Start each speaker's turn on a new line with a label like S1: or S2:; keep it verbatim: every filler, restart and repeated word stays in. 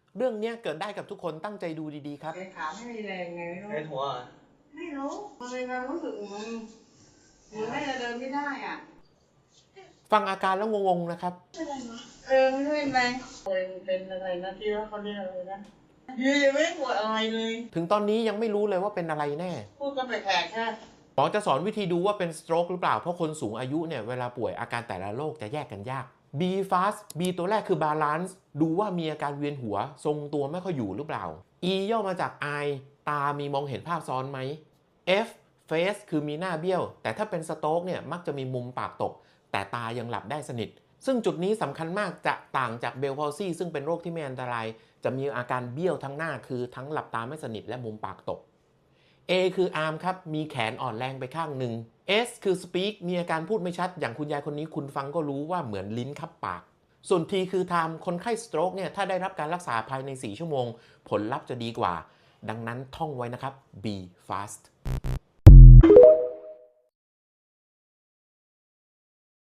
S1: เรื่องนี้เกิดได้กับทุกคนตั้งใจดูดีๆครับ
S2: ขาไม่มีแรงไงไม่รู้
S3: ไอ้หัว
S2: ไม่รู้มันเป็นความรู้สึกมันมันไม่จะเดินไม่ได้อ่ะ
S1: ฟังอาการแล้วงงๆนะครับ
S2: เออไม่รู้เป็นไรเป็นอะไรนะที่ว่าเขาเรียกอะไรนะยืนไม่ปวดอะไรเลย
S1: ถึงตอนนี้ยังไม่รู้เลยว่าเป็นอะไรแน่
S2: พูดก็แปลกๆแค่
S1: หมอจะสอนวิธีดูว่าเป็นสโตรกหรือเปล่าเพราะคนสูงอายุเนี่ยเวลาป่วยอาการแต่ละโรคจะแยกกันยาก B fast B ตัวแรกคือ balance ดูว่ามีอาการเวียนหัวทรงตัวไม่ค่อยอยู่หรือเปล่า E ย่อมาจาก eye ตามีมองเห็นภาพซ้อนไหม F face คือมีหน้าเบี้ยวแต่ถ้าเป็นสโตรกเนี่ยมักจะมีมุมปากตกแต่ตายังหลับได้สนิทซึ่งจุดนี้สำคัญมากจะต่างจากเบลพาลซี่ซึ่งเป็นโรคที่ไม่อันตรายจะมีอาการเบี้ยวทั้งหน้าคือทั้งหลับตาไม่สนิทและมุมปากตก A คือ arm ครับมีแขนอ่อนแรงไปข้างหนึ่ง S คือ speak มีอาการพูดไม่ชัดอย่างคุณยายคนนี้คุณฟังก็รู้ว่าเหมือนลิ้นคับปากส่วน T คือ time คนไข้สโตรกเนี่ยถ้าได้รับการรักษาภายในสี่ชั่วโมงผลลัพธ์จะดีกว่าดังนั้นท่องไว้นะครับ be fast